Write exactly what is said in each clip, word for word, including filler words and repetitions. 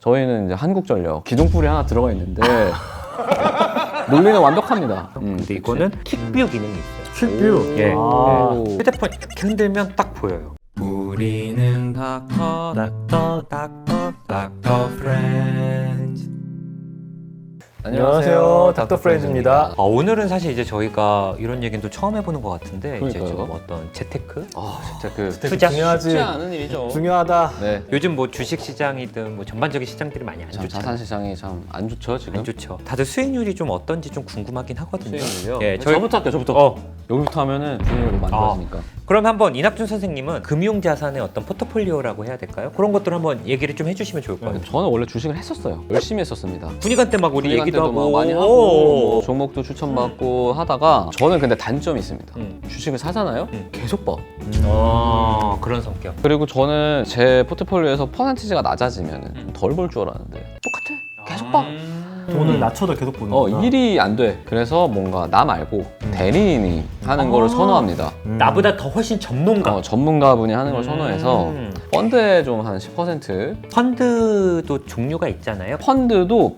저희는 이제 한국전력 기둥뿔이 하나 들어가 있는데 논리는 완벽합니다. 음, 근데 이거는 킥뷰 기능이 있어요. 퀵뷰. 예. 아. 예. 휴대폰 이렇게 흔들면 딱 보여요. 우리는 닥터 닥터 닥터 닥터 프렌즈. 안녕하세요, 닥터 프렌즈입니다. 아, 오늘은 사실 이제 저희가 이런 얘기는 또 처음 해보는 것 같은데 이제 그러니까요. 지금 어떤 재테크? 아 진짜 그 투자 중요하지. 쉽지 않은 일이죠. 중요하다. 네. 요즘 뭐 주식 시장이든 뭐 전반적인 시장들이 많이 안 참 좋죠. 자산 시장이 참 안 좋죠 지금. 안 좋죠. 다들 수익률이 좀 어떤지 좀 궁금하긴 하거든요. 수익률이요? 예, 저희... 저부터 할게요. 저부터. 어. 여기부터 하면은 수익률이 많이 아. 좋아지니까. 그럼 한번 이낙준 선생님은 금융자산의 어떤 포트폴리오라고 해야 될까요? 그런 것들 한번 얘기를 좀 해주시면 좋을 것 같아요. 저는 원래 주식을 했었어요. 열심히 했었습니다. 군의관 때 막 우리 군의관 얘기도 때도 하고 막 많이 하고 뭐 종목도 추천받고 하다가 저는 근데 단점이 있습니다. 음. 주식을 사잖아요. 음. 계속 봐. 어, 그런 성격. 그리고 저는 제 포트폴리오에서 퍼센티지가 낮아지면 덜 벌 줄 알았는데 똑같아. 계속 봐. 음. 돈을 낮춰도 계속 보는 어, 거구나. 일이 안 돼. 그래서 뭔가 나 말고 대리인이 하는 거를 선호합니다. 음. 나보다 더 훨씬 전문가. 어, 전문가분이 하는 걸 선호해서 음. 펀드에 좀 한 십 퍼센트 펀드도 종류가 있잖아요. 펀드도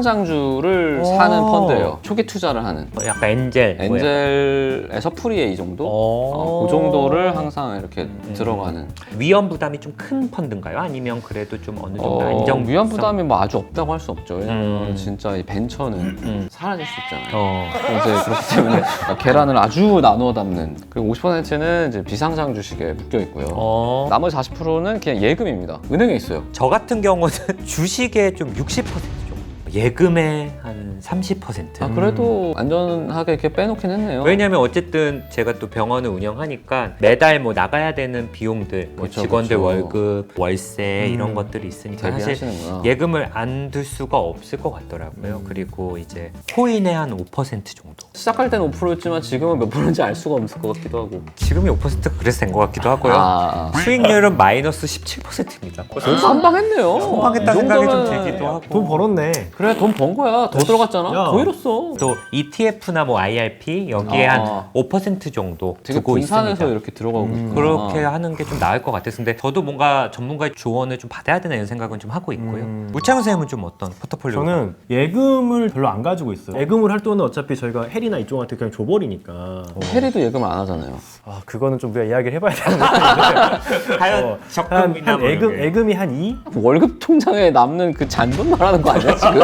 비상장주를 오. 사는 펀드예요. 초기 투자를 하는. 뭐 약간 엔젤. 뭐 약간. 엔젤에서 프리에 이 정도? 어. 어, 그 정도를 항상 이렇게 음. 들어가는. 위험 부담이 좀 큰 펀드인가요? 아니면 그래도 좀 어느 정도 어, 안정 위험 부담이 뭐 아주 없다고 할 수 없죠. 왜냐면 음. 진짜 이 벤처는 음. 사라질 수 있잖아요. 어. 이제 그렇기 때문에 계란을 아주 나누어 담는. 그리고 오십 퍼센트는 이제 비상장 주식에 묶여 있고요. 어. 나머지 사십 퍼센트는 그냥 예금입니다. 은행에 있어요. 저 같은 경우는 주식의 좀 육십 퍼센트 정도. 예금의 한 삼십 퍼센트. 아, 그래도 안전하게 이렇게 빼놓긴 했네요. 왜냐면 어쨌든 제가 또 병원을 운영하니까 매달 뭐 나가야 되는 비용들, 뭐 그쵸, 직원들 그쵸. 월급, 월세 음. 이런 것들이 있으니까 사실 대비하시는구나. 예금을 안 둘 수가 없을 것 같더라고요. 음. 그리고 이제 코인의 한 오 퍼센트 정도. 시작할 때는 오 퍼센트였지만 지금은 몇 프로인지 알 수가 없을 것 같기도 하고. 지금이 오 퍼센트 그래서 된 것 같기도 하고요. 아, 수익률은 마이너스 십칠 퍼센트입니다. 선방했네요. 선방했다는 이 생각이 좀 정도면은 들기도 하고. 돈 벌었네. 그래, 돈 번 거야. 더 들어갔잖아. 야. 더 잃었어. 또 이티에프나 뭐 아이알피 여기에 아. 한 오 퍼센트 정도 되게 두고 분산해서 있습니다. 이렇게 들어가고 음. 있구나. 그렇게 하는 게 좀 나을 것 같아서 근데 저도 뭔가 전문가의 조언을 좀 받아야 되나 이런 생각은 좀 하고 있고요. 음. 우창훈 선생님은 좀 어떤 포트폴리오? 저는 예금을 별로 안 가지고 있어요. 예금을 할 돈은 어차피 저희가 혜리나 이쪽한테 그냥 줘버리니까. 해리도 예금 안 하잖아요. 아, 그거는 좀 우리가 이야기를 해봐야 되는 건데. 하여 어, 한, 적금이나 한 뭐 예금, 이런 게. 예금이 한 이? 월급 통장에 남는 그 잔돈 말하는 거 아니야 지금?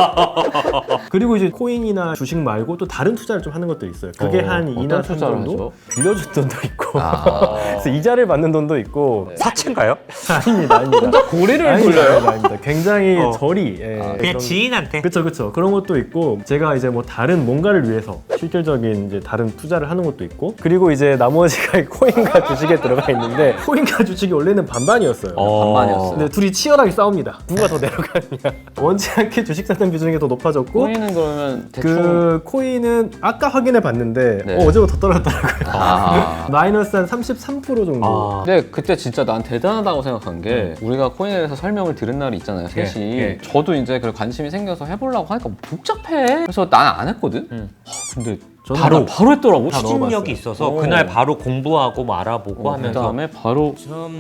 그리고 이제 코인이나 주식 말고 또 다른 투자를 좀 하는 것도 있어요. 그게 어, 한 이나 어떤 삼 투자를 정도? 하죠? 빌려준 돈도 있고 아. 그래서 이자를 받는 돈도 있고 사채인가요? 아닙니다, 아닙니다. 고리를 아닙니다, 돌려요? 아닙니다, 아닙니다. 굉장히 어. 저리 예, 아, 그냥 지인한테. 그쵸 그쵸 그런 것도 있고 제가 이제 뭐 다른 뭔가를 위해서 실질적인 이제 다른 투자를 하는 것도 있고 그리고 이제 나머지가 코인과 주식에 들어가 있는데 코인과 주식이 원래는 반반이었어요. 어. 반반이었어요. 근데 둘이 치열하게 싸웁니다. 누가 더 내려가느냐. 원치 않게 주식 사는 비중이 더 높아졌고 코인은 그러면 대충 그 코인은 아까 확인해 봤는데 네. 어, 어제보다 더 떨어졌더라고요. 아. 마이너스 한 삼십삼 퍼센트 정도. 아. 근데 그때 진짜 난 대단하다고 생각한 게 우리가 코인에 대해서 설명을 들은 날이 있잖아요 예, 셋이. 예. 저도 이제 그 관심이 생겨서 해보려고 하니까 복잡해. 그래서 난 안 했거든. 음. 아, 근데 저는 바로 다- 바로 했더라고. 다 추진력이 넣어봤어요. 있어서 오. 그날 바로 공부하고 뭐 알아보고 어, 하면서 그다음에 바로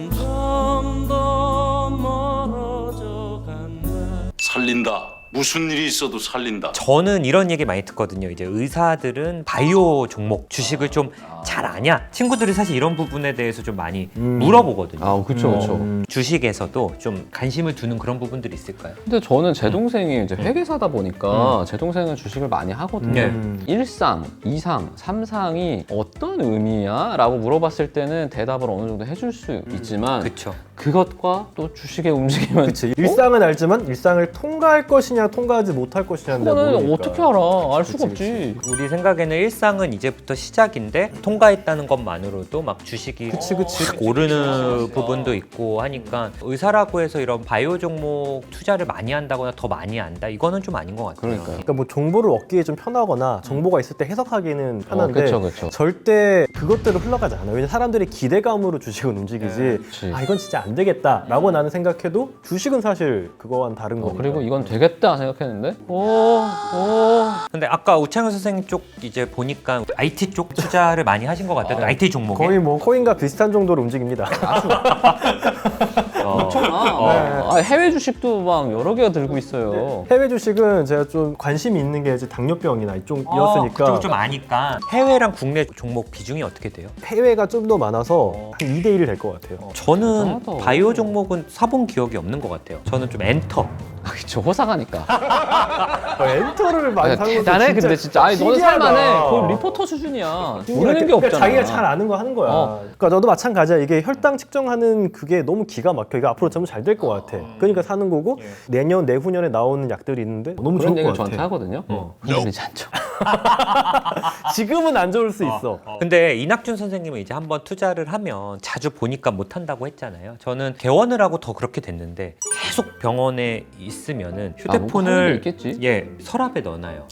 살린다. 무슨 일이 있어도 살린다. 저는 이런 얘기 많이 듣거든요. 이제 의사들은 바이오 종목 주식을 좀 잘 아냐? 친구들이 사실 이런 부분에 대해서 좀 많이 음. 물어보거든요. 아 그쵸 그쵸. 음. 주식에서도 좀 관심을 두는 그런 부분들이 있을까요? 근데 저는 제 동생이 이제 회계사다 보니까 제 동생은 주식을 많이 하거든요. 네. 음. 일상, 이상, 삼상이 어떤 의미야? 라고 물어봤을 때는 대답을 어느 정도 해줄 수 있지만 그렇죠. 그것과 또 주식의 움직임은 그치. 일상은 알지만 일상을 통과할 것이냐 통과하지 못할 것이냐는 내가 그거는 모르니까. 어떻게 알아? 알 그치, 수가 그치. 없지. 우리 생각에는 일상은 이제부터 시작인데 통과했다는 것만으로도 막 주식이 그치, 그치. 확 오르는 부분도 있고 하니까 의사라고 해서 이런 바이오 종목 투자를 많이 한다거나 더 많이 한다 이거는 좀 아닌 것 같아요. 그러니까요. 그러니까 뭐 정보를 얻기에 좀 편하거나 정보가 있을 때 해석하기는 편한데 어, 그쵸, 그쵸. 절대 그것대로 흘러가지 않아요. 왜냐면 사람들의 기대감으로 주식은 움직이지. 그치. 아 이건 진짜 안 되겠다라고 나는 생각해도 주식은 사실 그거와는 다른 어, 거니까. 그리고 이건 되겠다 생각했는데 오, 오. 근데 아까 우창현 선생님 쪽 이제 보니까 아이티 쪽 투자를 많이 하신 것 같아요. 아이티 종목에. 거의 뭐 코인과 비슷한 정도로 움직입니다. 엄청나. 아, 해외 주식도 막 여러 개가 들고 있어요. 해외 주식은 제가 좀 관심이 있는 게 이제 당뇨병이나 이쪽이었으니까 그쪽을 좀 아니까 해외랑 국내 종목 비중이 어떻게 돼요? 해외가 좀 더 많아서 한 이 대 일이 될 것 같아요. 저는 대단하다. 바이오 종목은 사본 기억이 없는 것 같아요. 저는 좀 엔터. 아, 그쵸, 호사가니까. 어, 엔터를 많이 아, 사는 것도 대단해, 진짜 근데 진짜. 아니, 너는 신기하다. 살만해. 거의 리포터 수준이야. 모르는 게 그러니까 없잖아. 자기가 잘 아는 거 하는 거야. 어. 그러니까 저도 마찬가지야. 이게 혈당 측정하는 그게 너무 기가 막혀. 이거 앞으로 점점 잘 될 것 같아. 그러니까 사는 거고 내년 내후년에 나오는 약들이 있는데 너무 그런 좋을 얘기를 것 저한테 같아. 하거든요. 어. 흔들리지 않죠. 지금은 안 좋을 수 있어. 근데 이낙준 선생님은 이제 한번 투자를 하면 자주 보니까 못 한다고 했잖아요. 저는 개원을 하고 더 그렇게 됐는데 계속 병원에 있으면은 아, 뭐 하는 게 휴대폰을 있겠지. 예 서랍에 넣어놔요.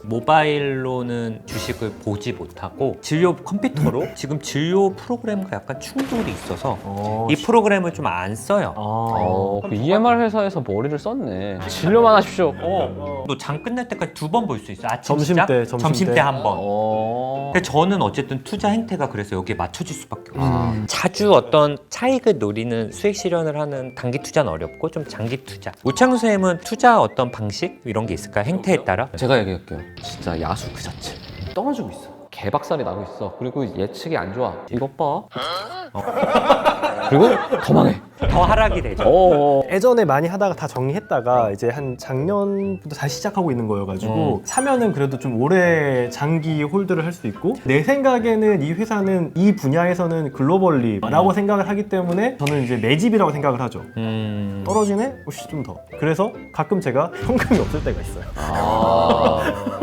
모바일로는 주식을 보지 못하고 진료 컴퓨터로 지금 진료 프로그램과 약간 충돌이 있어서 어, 이 프로그램을 좀 안 써요. 어, 그 이엠알 회사에서 머리를 썼네. 진료만 하십시오. 어. 너 장 끝날 때까지 두 번 볼 수 있어. 아침 점심 시작, 때, 점심 때. 한 번. 어. 근데 저는 어쨌든 투자 행태가 그래서 여기에 맞춰질 수밖에 없어요. 아. 자주 어떤 차익을 노리는 수익 실현을 하는 단기 투자는 어렵고 좀 장기 투자. 오창수 선생님은 투자 어떤 방식 이런 게 있을까요? 행태에 따라? 제가 얘기할게요. 진짜 야수 그 자체. 떨어지고 있어. 개박살이 나고 있어. 그리고 예측이 안 좋아. 이것 봐. 어. 그리고 더 망해. 더 하락이 되죠. 어. 예전에 많이 하다가 다 정리했다가 이제 한 작년부터 다시 시작하고 있는 거여가지고 사면은 그래도 좀 오래 장기 홀드를 할 수 있고 내 생각에는 이 회사는 이 분야에서는 글로벌리라고 생각을 하기 때문에 저는 이제 내 집이라고 생각을 하죠. 음... 떨어지네? 혹시 좀 더. 그래서 가끔 제가 현금이 없을 때가 있어요. 아.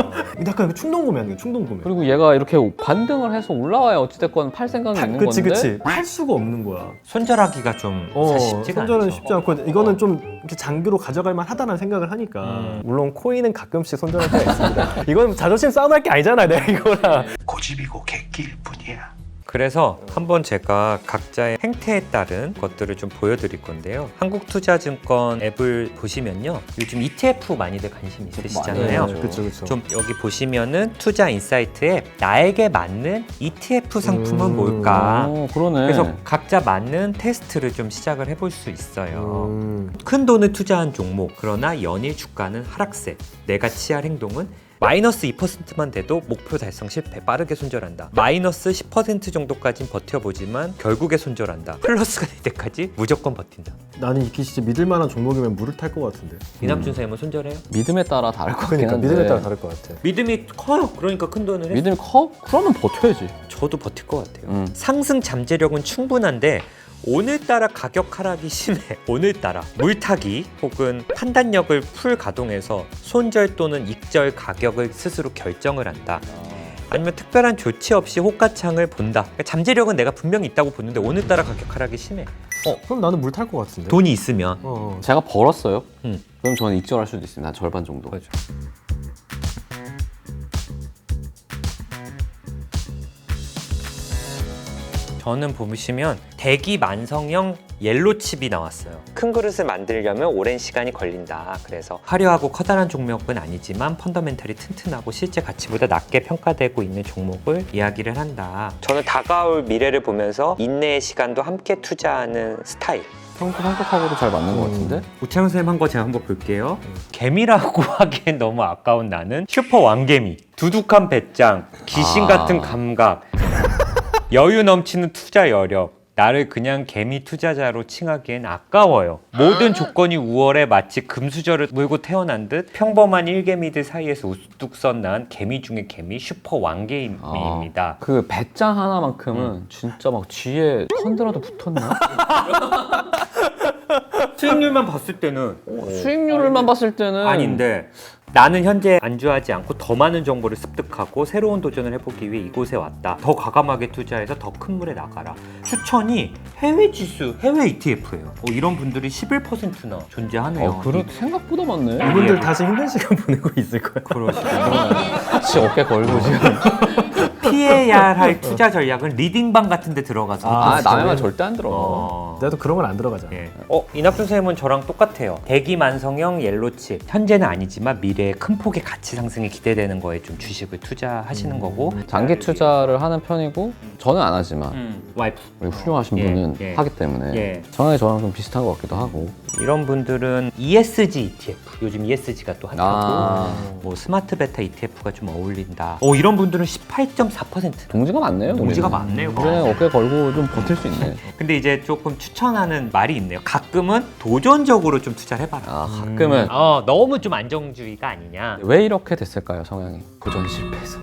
약간 충동 구매하는 거예요. 충동 구매. 그리고 얘가 이렇게 반등을 해서 올라와야 어찌됐건 팔 생각이 파- 있는 그치 건데. 그치. 팔 수가 없는 거야. 손절하기가 좀 어, 사실 쉽지가 손절은 않죠. 쉽지 않고 이거는 좀 이렇게 장기로 가져갈 만하다는 생각을 하니까 음. 물론 코인은 가끔씩 손절할 때가 있습니다. 이건 자존심 싸움할 게 아니잖아 내가 이거랑. 고집이고 객기일 뿐이야. 그래서 한번 제가 각자의 행태에 따른 것들을 좀 보여드릴 건데요. 한국투자증권 앱을 보시면요. 요즘 이티에프 많이들 관심 있으시잖아요. 맞아요. 그쵸 그쵸. 좀 여기 보시면은 투자 인사이트 앱 나에게 맞는 이티에프 상품은 음. 뭘까? 어, 그러네. 그래서 각자 맞는 테스트를 좀 시작을 해볼 수 있어요. 음. 큰 돈을 투자한 종목, 그러나 연일 주가는 하락세. 내가 취할 행동은 마이너스 이 퍼센트만 돼도 목표 달성 실패, 빠르게 손절한다. 마이너스 십 퍼센트 정도까진 버텨보지만 결국에 손절한다. 플러스가 될 때까지 무조건 버틴다. 나는 이게 진짜 믿을 만한 종목이면 물을 탈 것 같은데. 이남준 선생님은 손절해요? 믿음에 따라 다를 것 같긴 그러니까 한데. 믿음에 따라 다를 것 같아. 믿음이 커요. 그러니까 큰 돈을 해. 믿음이 커? 그러면 버텨야지. 저도 버틸 것 같아요. 음. 상승 잠재력은 충분한데 오늘따라 가격 하락이 심해. 오늘따라 물타기 혹은 판단력을 풀 가동해서 손절 또는 익절 가격을 스스로 결정을 한다. 아니면 특별한 조치 없이 호가창을 본다. 그러니까 잠재력은 내가 분명히 있다고 보는데 오늘따라 가격 하락이 심해. 그럼 나는 물 탈 것 같은데. 돈이 있으면. 어. 제가 벌었어요. 음. 그럼 저는 익절할 수도 있습니다. 한 절반 정도. 그렇죠. 저는 보시면 대기 만성형 옐로 칩이 나왔어요. 큰 그릇을 만들려면 오랜 시간이 걸린다. 그래서 화려하고 커다란 종목은 아니지만 펀더멘털이 튼튼하고 실제 가치보다 낮게 평가되고 있는 종목을 이야기를 한다. 저는 다가올 미래를 보면서 인내의 시간도 함께 투자하는 스타일. 평소 성격하고도 잘 맞는 것 같은데? 우창훈 선생님 한 거 제가 한번 볼게요. 개미라고 하기엔 너무 아까운 나는 슈퍼 왕개미, 두둑한 배짱, 귀신 아. 같은 감각, 여유 넘치는 투자 여력. 나를 그냥 개미 투자자로 칭하기엔 아까워요. 모든 조건이 우월해 마치 금수저를 물고 태어난 듯 평범한 일개미들 사이에서 우뚝 썬난 개미 중에 개미 슈퍼 왕개미입니다. 그 배짱 하나만큼은 진짜 막 뒤에 펀드라도 붙었나? 수익률만 봤을 때는 수익률만 봤을 때는 아닌데 나는 현재 안주하지 않고 더 많은 정보를 습득하고 새로운 도전을 해보기 위해 이곳에 왔다. 더 과감하게 투자해서 더 큰 물에 나가라. 추천이 해외 지수, 해외 이티에프예요. 어, 이런 분들이 십일 퍼센트나 존재하네요. 어, 그래 생각보다 많네. 이분들 다시 힘든 시간 보내고 있을 거야. 그러시군요. 같이 어깨 걸고 지금. 피해야 할 투자 전략은 리딩방 같은 데 들어가서 아, 아, 했어요. 남의 말 절대 안 들어. 어. 나도 그런 건 안 들어가잖아. 예. 어, 이낙준 쌤은 저랑 똑같아요. 대기 만성형 옐로칩. 현재는 아니지만 미래에 큰 폭의 가치 상승이 기대되는 거에 좀 주식을 투자하시는 거고. 장기 투자를 하는 편이고 저는 안 하지만 음, 와이프. 우리 훌륭하신 예, 분은 예. 하기 때문에 예. 정확히 저랑 좀 비슷한 것 같기도 하고. 이런 분들은 이에스지 이티에프. 요즘 이에스지가 또 핫하고. 아, 뭐 스마트 베타 이티에프가 좀 어울린다. 어, 이런 분들은 십팔 점 사 퍼센트. 동지가 많네요. 동지가 우리는. 많네요. 우리는 어깨 걸고 좀 버틸 수 있네. 근데 이제 조금 추천하는 말이 있네요. 가끔은 도전적으로 좀 투자를 해봐라. 아, 가끔은 어, 너무 좀 안정주의가 아니냐. 왜 이렇게 됐을까요, 성향이? 도전 실패해서.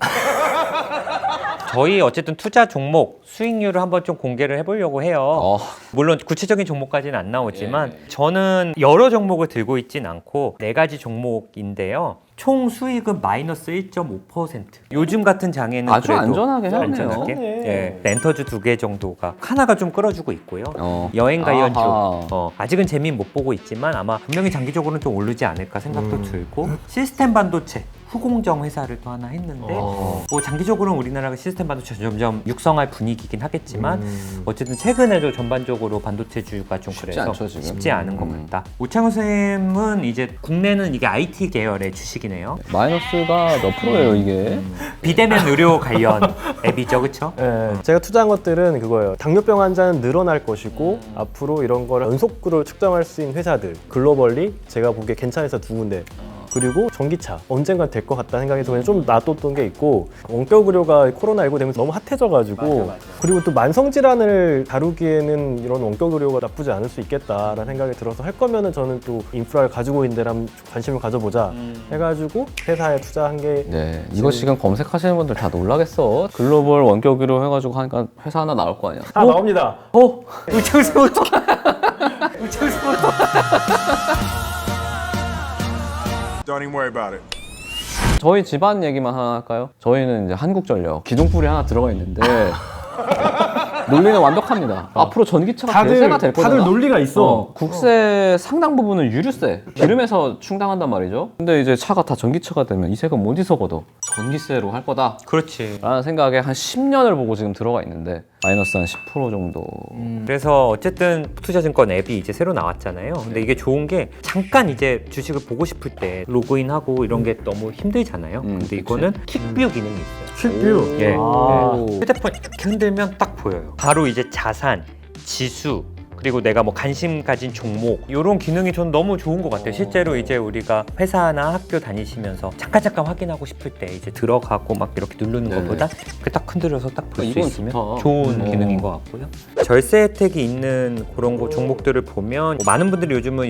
저희 어쨌든 투자 종목 수익률을 한번 좀 공개를 해보려고 해요. 어, 물론 구체적인 종목까지는 안 나오지만 예. 저는 여러 종목을 들고 있진 않고 네 가지 종목인데요. 총 수익은 마이너스 일 점 오 퍼센트. 요즘 같은 장에는 아주 그래도 안전하게 해야네요. 안전하게. 네. 예, 렌터즈 두 개 정도가 하나가 좀 끌어주고 있고요. 어. 여행과 연주. 아하. 어, 아직은 재미는 못 보고 있지만 아마 분명히 장기적으로는 좀 오르지 않을까 생각도 음. 들고 시스템 반도체 후공정 회사를 또 하나 했는데 어. 뭐 장기적으로는 우리나라가 시스템 반도체 점점 육성할 분위기긴 하겠지만 음. 어쨌든 최근에도 전반적으로 반도체주가 좀 쉽지 그래서 않죠, 지금. 쉽지 않은 것 음. 같다. 오창훈 쌤은 이제 국내는 이게 아이티 계열의 주식이네요. 마이너스가 몇 프로예요, 이게? 비대면 의료 관련 앱이죠, 그렇죠? 예, 제가 투자한 것들은 그거예요. 당뇨병 환자는 늘어날 것이고 음. 앞으로 이런 거를 연속으로 측정할 수 있는 회사들 글로벌리 제가 보기에 괜찮아서 두 군데. 그리고 전기차 언젠간 될 것 같다는 생각이 그냥 좀 놔뒀던 게 있고 원격 의료가 코로나십구 되면서 너무 핫해져가지고 맞아, 맞아. 그리고 또 만성 질환을 다루기에는 이런 원격 의료가 나쁘지 않을 수 있겠다라는 생각이 들어서 할 거면은 저는 또 인프라를 가지고 있는 데랑 관심을 가져보자 음. 해가지고 회사에 투자한 게 네, 이거 지금 검색하시는 분들 다 놀라겠어. 글로벌 원격으로 해가지고 하니까 회사 하나 나올 거 아니야. 다 나옵니다. 어? 우창훈 쌤 어떡해? 우창훈 쌤 어떡해? Don't even worry about it. 저희 집안 얘기만 하나 할까요? 저희는 이제 한국전력 기둥불이 하나 들어가 있는데 논리는 완벽합니다. 앞으로 전기차가 다들 대세가 될 거잖아. 다들 논리가 있어. 어, 국세 상당 부분은 유류세, 기름에서 충당한단 말이죠. 근데 이제 차가 다 전기차가 되면 이 세금 어디서 걷어? 전기세로 할 거다. 그렇지. 라는 생각에 한 십 년을 보고 지금 들어가 있는데 마이너스 한 십 퍼센트 정도. 그래서 어쨌든 투자증권 앱이 이제 새로 나왔잖아요. 근데 이게 좋은 게 잠깐 이제 주식을 보고 싶을 때 로그인하고 이런 게 너무 힘들잖아요. 음, 근데 그치. 이거는 킥뷰 기능이 있어요. 퀵뷰. 예. 아. 네. 휴대폰 이렇게 흔들면 딱 보여요. 바로 이제 자산, 지수, 그리고 내가 뭐 관심 가진 종목 이런 기능이 저는 너무 좋은 것 같아요. 실제로 이제 우리가 회사나 학교 다니시면서 잠깐 잠깐 확인하고 싶을 때 이제 들어가고 막 이렇게 누르는 네네. 것보다 이렇게 딱 흔들어서 딱 볼 수 이건 있으면 좋다. 좋은 음. 기능인 것 같고요. 절세 혜택이 있는 그런 거 종목들을 보면 뭐 많은 분들이 요즘은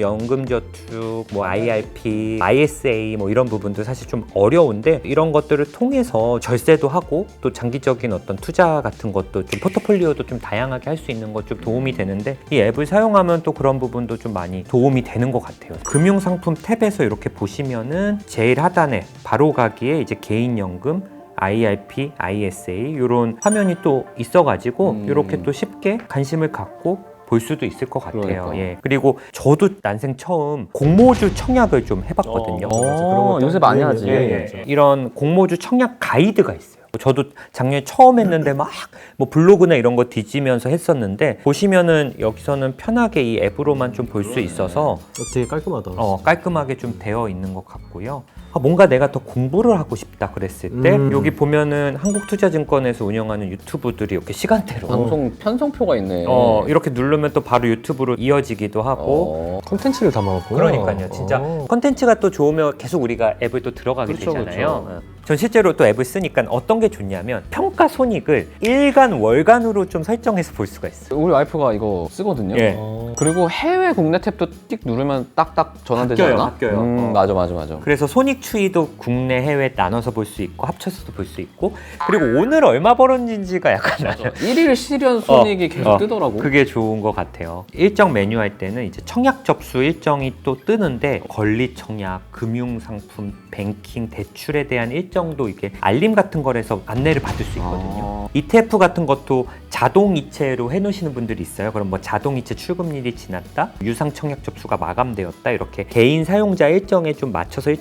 연금저축, 뭐 아이알피, 아이에스에이 뭐 이런 부분도 사실 좀 어려운데 이런 것들을 통해서 절세도 하고 또 장기적인 어떤 투자 같은 것도 좀 포트폴리오도 좀 다양하게 할 수 있는 것 좀 도움이 되는데 이 앱을 사용하면 또 그런 부분도 좀 많이 도움이 되는 것 같아요. 금융상품 탭에서 이렇게 보시면은 제일 하단에 바로 가기에 이제 개인연금, 아이알피, 아이에스에이 이런 화면이 또 있어가지고 음. 이렇게 또 쉽게 관심을 갖고 볼 수도 있을 것 같아요. 그러니까. 예. 그리고 저도 난생 처음 공모주 청약을 좀 해봤거든요. 어, 맞아. 그런 어, 것도 요새 많이 유행이에요. 하지. 예, 예. 이런 공모주 청약 가이드가 있어요. 저도 작년에 처음 했는데 막 뭐 블로그나 이런 거 뒤지면서 했었는데 보시면은 여기서는 편하게 이 앱으로만 좀 볼 수 있어서 되게 깔끔하다. 어, 깔끔하게 좀 되어 있는 것 같고요. 아, 뭔가 내가 더 공부를 하고 싶다 그랬을 때 음. 여기 보면은 한국투자증권에서 운영하는 유튜브들이 이렇게 시간대로 방송 편성표가 있네. 어, 이렇게 누르면 또 바로 유튜브로 이어지기도 하고 어. 콘텐츠를 담아갖고. 그러니까요. 진짜 어. 컨텐츠가 또 좋으면 계속 우리가 앱을 또 들어가게 그렇죠, 되잖아요. 그렇죠. 어. 전 실제로 또 앱을 쓰니까 어떤 게 좋냐면 평가 손익을 일간, 월간으로 좀 설정해서 볼 수가 있어요. 우리 와이프가 이거 쓰거든요. 예. 어. 그리고 해외 국내 탭도 띡 누르면 딱딱 전환되지 바뀌어요, 않아? 바뀌어요. 음, 어. 맞아, 맞아, 맞아. 그래서 손익 추이도 국내, 해외 나눠서 볼 수 있고 합쳐서도 볼 수 있고 그리고 오늘 얼마 벌었는지가 약간 나요. 일일 실현 손익이 계속 어, 뜨더라고. 그게 좋은 것 같아요. 일정 메뉴 할 때는 이제 청약 접수 일정이 또 뜨는데 권리 청약, 금융상품, 뱅킹, 대출에 대한 일정도 이게 알림 같은 거에서 안내를 받을 수 있거든요. 아. 이티에프 같은 것도 자동 이체로 해놓으시는 분들이 있어요. 그럼 뭐 자동 이체 출금일이 지났다, 유상 청약 접수가 마감되었다 이렇게 개인 사용자 일정에 좀 맞춰서 일정들이 좀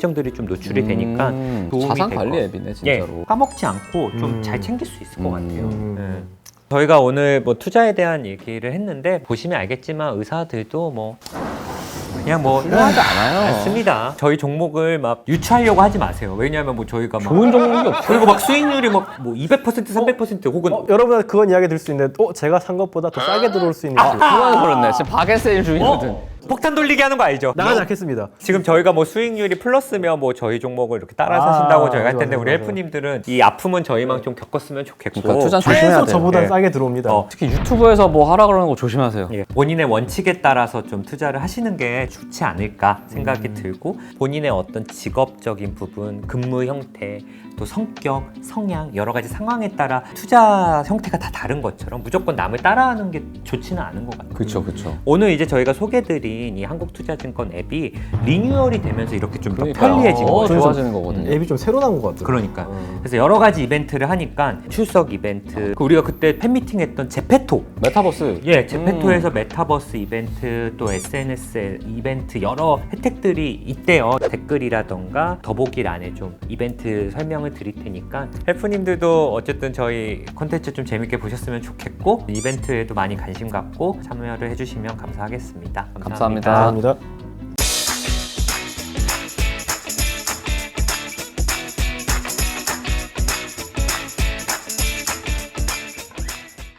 노출이 되니까 음, 도움이 자산 될 관리 것 앱이네 진짜로. 예, 까먹지 않고 좀 음. 잘 챙길 수 있을 것 음. 같아요. 음. 예. 저희가 오늘 뭐 투자에 대한 얘기를 했는데 보시면 알겠지만 의사들도 뭐 그냥 뭐 필요하지 않아요. 않습니다. 저희 종목을 막 유추하려고 하지 마세요. 왜냐하면 뭐 저희가 막 좋은 종목이 없어. 그리고 막 수익률이 막 뭐 이백 퍼센트, 삼백 퍼센트 혹은 어, 여러분 그건 이야기 들 수 있는데 어 제가 산 것보다 더 싸게 들어올 수 있는 수 그건 그렇네. 지금 바게세일 중이거든. 어? 폭탄 돌리기 하는 거 알죠? 나가지 않겠습니다. 지금 저희가 뭐 수익률이 플러스면 뭐 저희 종목을 이렇게 따라 아, 사신다고 저희가 할 텐데 맞아요, 우리 맞아요. 헬프님들은 이 아픔은 저희만 좀 겪었으면 좋겠고 그러니까 투자 조심해야 최소 돼요. 저보다 예. 싸게 들어옵니다. 어. 특히 유튜브에서 뭐 하라 그러는 거 조심하세요. 예, 본인의 원칙에 따라서 좀 투자를 하시는 게 좋지 않을까 생각이 들고 본인의 어떤 직업적인 부분, 근무 형태, 또 성격, 성향 여러 가지 상황에 따라 투자 형태가 다 다른 것처럼 무조건 남을 따라하는 게 좋지는 않은 것 같아요. 그렇죠, 그렇죠. 오늘 이제 저희가 소개드린 이 한국투자증권 앱이 리뉴얼이 되면서 이렇게 좀 더 그러니까요. 편리해진 더 거죠. 좋아지는 거거든요. 앱이 좀 새로 나온 것 같아요. 그러니까 어. 그래서 여러 가지 이벤트를 하니까 출석 이벤트 그 우리가 그때 팬미팅 했던 제페토 메타버스. 예 제페토에서 메타버스 이벤트 또 에스엔에스 이벤트 여러 혜택들이 있대요. 댓글이라던가 더보기란에 좀 이벤트 설명을 드릴 테니까 헬프님들도 어쨌든 저희 콘텐츠 좀 재밌게 보셨으면 좋겠고 이벤트에도 많이 관심 갖고 참여를 해주시면 감사하겠습니다. 감사합니다. 감사합니다.